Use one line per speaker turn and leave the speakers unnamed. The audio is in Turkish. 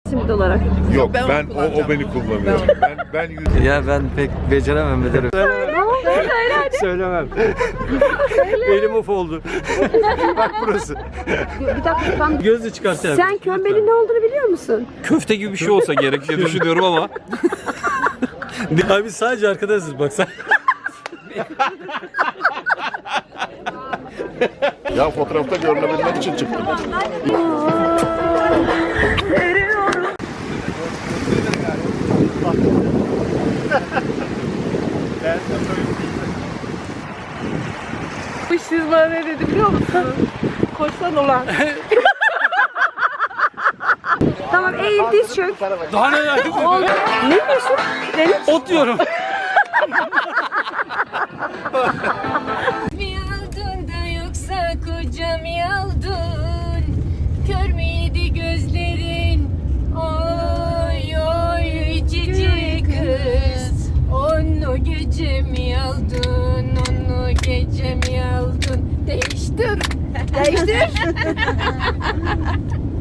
simit olarak.
Yok ben o beni kullanıyor. Ben yüz...
Ya ben pek beceremem ederim. Söylemem. Elim of oldu. Bak burası.
Bir dakika ben...
Gözü çıkartacağım.
Sen kömbenin ne olduğunu biliyor musun?
Köfte gibi bir şey olsa gerek diye düşünüyorum ama. Abi sadece arkadaşız bak sen.
Ya fotoğrafta görünebilmek için çıktım.
Siz bana ne dedi biliyor musun? Koşsan ulan. Tamam eğil diz çök.
Daha ne yani?
Ne diyorsun? Deniz.
Ot diyorum.
Mi aldın da yoksa kocam yaldın? Kör müydü gözlerin? Oy oy cici kız. Onu gece mi aldın? Onu gece mi aldın? Değiştir. Değiştir.